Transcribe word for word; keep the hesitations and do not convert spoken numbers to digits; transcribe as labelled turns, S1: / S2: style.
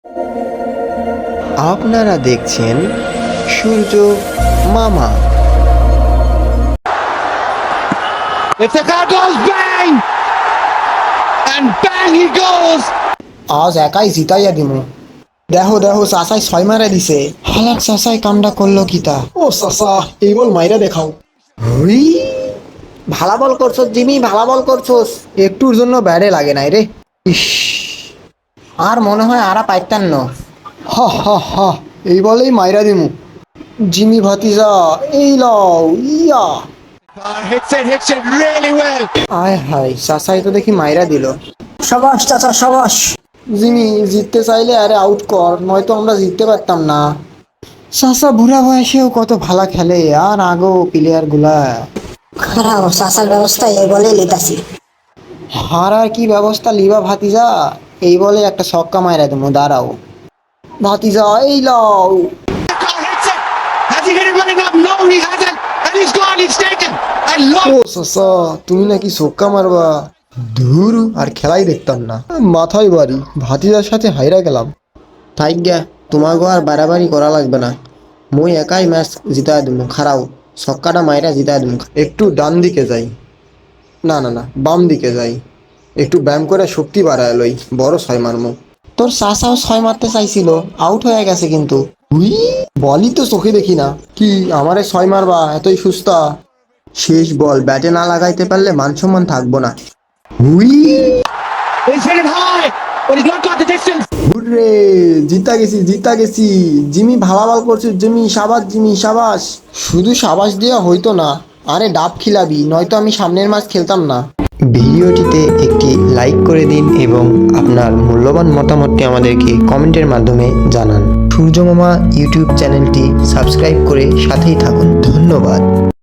S1: আপনারা দেখছেন সূর্য মামা।
S2: If the car goes bang and bang he goes.
S3: আজ একাই জিতাইয়া দিমু। দেখো দেখো চাচাই ছয় মারা দিছে। হালাক চাচাই কামটা করলো কিতা। ও চাচা এই বল মাইরা দেখাও। হুই ভালা বল করছস জিমি, ভালা বল করছস। একটুর জন্য ব্যাডে লাগে নাই রে। ইস আর মনে হয় আরা পাইতাম না। হা হা হা এই বলেই মাইরা দিমু। জিমি ভাতিজা এই লও ইয়া।
S2: Uh, hits it, hits it really well.
S3: আয় হায় চাচাই তো দেখি মাইরা দিল।
S4: সাবাস চাচা সাবাস।
S3: জিমি জিততে চাইলে আরে আউট কর, নয়তো আমরা জিততে পারতাম না। চাচা বুড়া বয়সেও কত ভালো খেলে আর আগো প্লেয়ার গুলা।
S4: খারাপ চাচার ব্যবস্থা এই বলে লিতাছি।
S3: হারার কি ব্যবস্থা লিবা ভাতিজা, এই বলে একটা ছক্কা মাইরা দেবো, দাঁড়াও ভাতিজা এই লও।
S2: The car hits it. Has he hit it running up? No, he hasn't. And he's gone, he's taken. I
S3: O
S2: love
S3: চাচা তুমি নাকি ছক্কা মারবা, ধুর আর খেলাই দেখতাম না, মাথায় বাড়ি ভাতিজার সাথে হাইরা গেলাম। তাই গা তোমাকে আর বাড়াবাড়ি করা লাগবে না, মই একাই ম্যাচ জিতা দেবো, খারাও ছক্কাটা মাইরা জিতা দেবো। একটু ডান দিকে যাই, না না না বাম দিকে যাই, একটু ব্যায়াম করে শক্তি বাড়ায় লই, বড় ছয় মারমো। তোর চাচাও ছয় মারতে চাইছিল, আউট হয়ে গেছে কিন্তু। হুই বলই তো চোখে দেখি না, কি আমারে ছয় মারবা এতই সুস্তা? শেষ বল ব্যাটে না লাগাইতে পারলে মান সম্মান থাকবো না। হুই
S2: He's hit it high, but he's not got the distance.
S3: Hurray জিতা গেছি জিতা গেছি। জিমি ভালা বল করছিস জিমি, সাবাস জিমি সাবাস। শুধু সাবাস দেওয়া হইতো না, আরে ডাব খিলাবি, নয়তো আমি সামনের ম্যাচ খেলতাম না।
S1: ভিডিওটিতে একটি লাইক করে দিন এবং আপনার মূল্যবান মতামতটি আমাদেরকে কমেন্টের মাধ্যমে জানান। সূর্য মামা ইউটিউব চ্যানেলটি সাবস্ক্রাইব করে সাথেই থাকুন। ধন্যবাদ।